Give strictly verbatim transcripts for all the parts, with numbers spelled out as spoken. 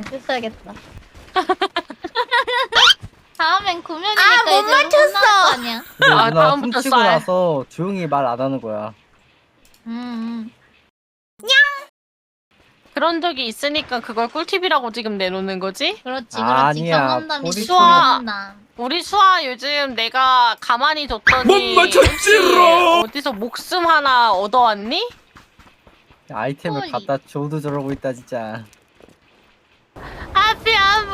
부셔야겠다. 다음엔 구면이니까 아, 못 이제 맞췄어. 혼날 거 아니야. 근데 아, 누나 다음부터 훔치고 쌀. 나서 조용히 말 안 하는 거야. 음. 그런 적이 있으니까 그걸 꿀팁이라고 지금 내놓는 거지? 그렇지, 그렇지. 아니야, 경험담이 꼬리 경험담. 우리 수아 요즘 내가 가만히 뒀더니 못 맞췄지롱! 혹시 어디서 목숨 하나 얻어왔니? 아이템을 꼬리. 갖다 줘도 저러고 있다 진짜. 앞이 안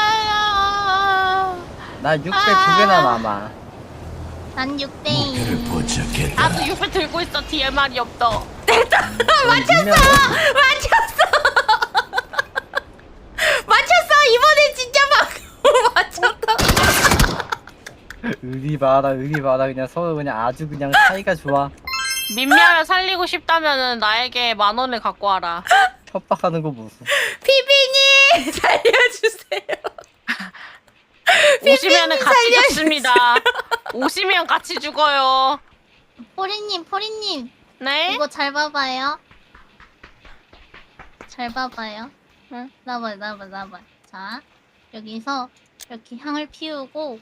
보여요. 나 육백 두 개나 남아. 난 육 대 목표를 이. 포착했다. 나도 육배 들고 있어. 뒤에 말이 없다. 맞췄어. 맞췄어. 이번엔 진짜 막 맞췄다. 의리 봐라 의리 봐라 그냥 서로 그냥 아주 그냥 사이가 좋아. 민미아를 살리고 싶다면은 나에게 만 원을 갖고 와라. 협박하는 거 무슨. 피비님 살려주세요. 오시면은 같이 죽습니다. 오시면 같이 죽어요. 포리님, 포리님. 네? 이거 잘 봐봐요. 잘 봐봐요. 응? 나봐, 나봐, 나봐. 자, 여기서 이렇게 향을 피우고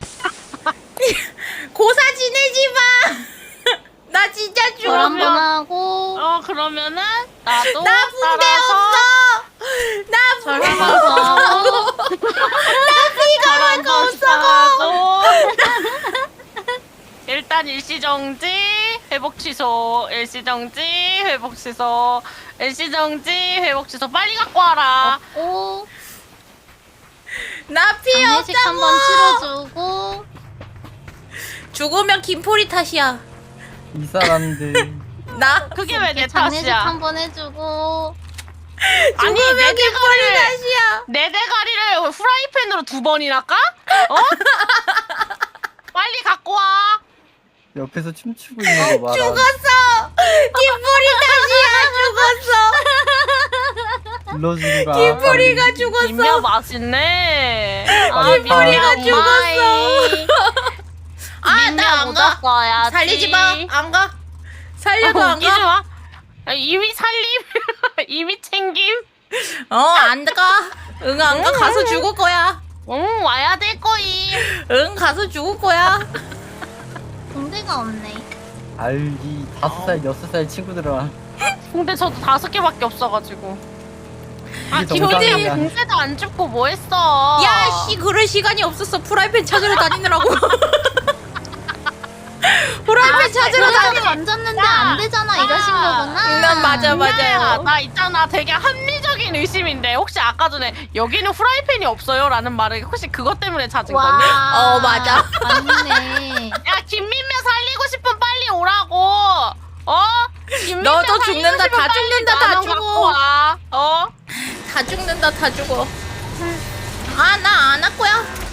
고사 지내지 마. 나 진짜 절 죽어. 한번 하고 어 그러면은 나도 나 붕대 따라서 없어. 나 절 붕대 한번 더 하고 저랑 하고 일단 일시정지 회복 취소 일시정지 회복 취소 일시정지 회복 취소 빨리 갖고 와라. 오, 나 피해 장례식 없다고. 한번 치러주고 죽으면 김포리 탓이야. 이 사람들. 나 그게 왜 내 장례식 탓이야? 한번 해주고 아니 내 죽으면 김포리 대가리를 탓이야. 내 대가리를 후라이팬으로 두 번이나 까? 어? 빨리 갖고 와. 옆에서 춤추고 있는 거 봐라. 죽었어. 김포리 탓이야. 죽었어. 불러주고 가. 김포리가 빨리. 죽었어. 김미아 맛있네. 빨리 가. 김포리가 죽었어. 아, 민미아 나 안 가. 묻었어야지. 살리지 마. 안 가. 살려도 아, 안 웃기지 가. 마. 아, 이미 살림, 이미 챙김. 어, 안 가. 응, 안 가. 가서 죽을 거야. 응, 와야 될 거이. 응, 가서 죽을 거야. 붕대가 없네. 알기 다섯 살 여섯 살 친구들아. 근데 저도 다섯 개밖에 없어가지고. 아, 이게 김민아 정상이야. 공세도 안 죽고 뭐 했어? 야, 씨, 그럴 시간이 없었어. 프라이팬 찾으러 다니느라고. 프라이팬 찾으러 사람이 다니. 만졌는데 야, 안 되잖아 이러신 야. 거구나. 난 맞아, 야, 맞아요. 나 있잖아. 되게 합리적인 의심인데 혹시 아까 전에 여기는 프라이팬이 없어요? 라는 말을 혹시 그것 때문에 찾은 거니? 와. 어, 맞아. 맞네. 야, 김민명 살리고 싶으면 빨리 오라고. 어? 김민명 너도 살리고 죽는다, 싶으면 다 빨리 죽는다, 다 나눠 죽어. 갖고 와. 어? 다 죽는다, 다 죽어. 아, 나 안 할 거야.